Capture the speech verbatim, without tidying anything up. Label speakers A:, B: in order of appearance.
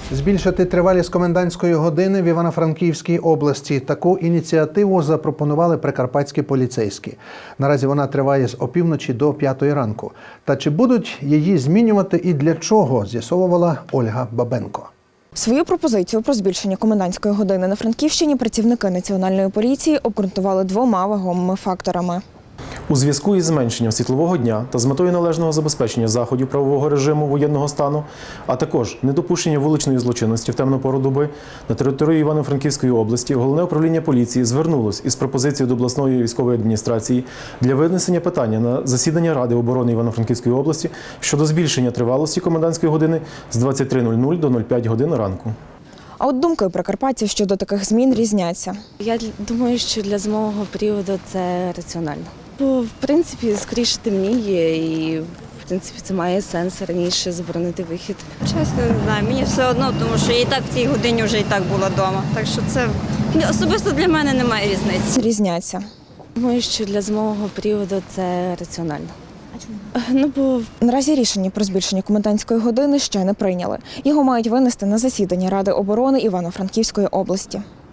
A: Збільшити тривалість комендантської години в Івано-Франківській області. Таку ініціативу запропонували прикарпатські поліцейські. Наразі вона триває з опівночі до п'ятої ранку. Та чи будуть її змінювати і для чого, з'ясовувала Ольга Бабенко.
B: Свою пропозицію про збільшення комендантської години на Франківщині працівники Національної поліції обґрунтували двома вагомими факторами.
C: У зв'язку із зменшенням світлового дня та з метою належного забезпечення заходів правового режиму воєнного стану, а також недопущення вуличної злочинності в темну пору доби, на території Івано-Франківської області Головне управління поліції звернулось із пропозицією до обласної військової адміністрації для винесення питання на засідання Ради оборони Івано-Франківської області щодо збільшення тривалості комендантської години з двадцять три нуль нуль до нуль п'ять годин ранку.
B: А от думки прикарпатців щодо таких змін різняться.
D: Я думаю, що для зимового періоду це раціонально. Бо, в принципі, скоріше темніє і, в принципі, це має сенс раніше заборонити вихід.
E: Чесно, не знаю, мені все одно, тому що я і так в цій годині вже і так була вдома. Так що це особисто для мене немає різниці.
B: Різняться.
D: Думаю, що для зимового періоду це раціонально.
B: А чому?
D: Ну, бо
B: Наразі рішення про збільшення комендантської години ще не прийняли. Його мають винести на засідання Ради оборони Івано-Франківської області.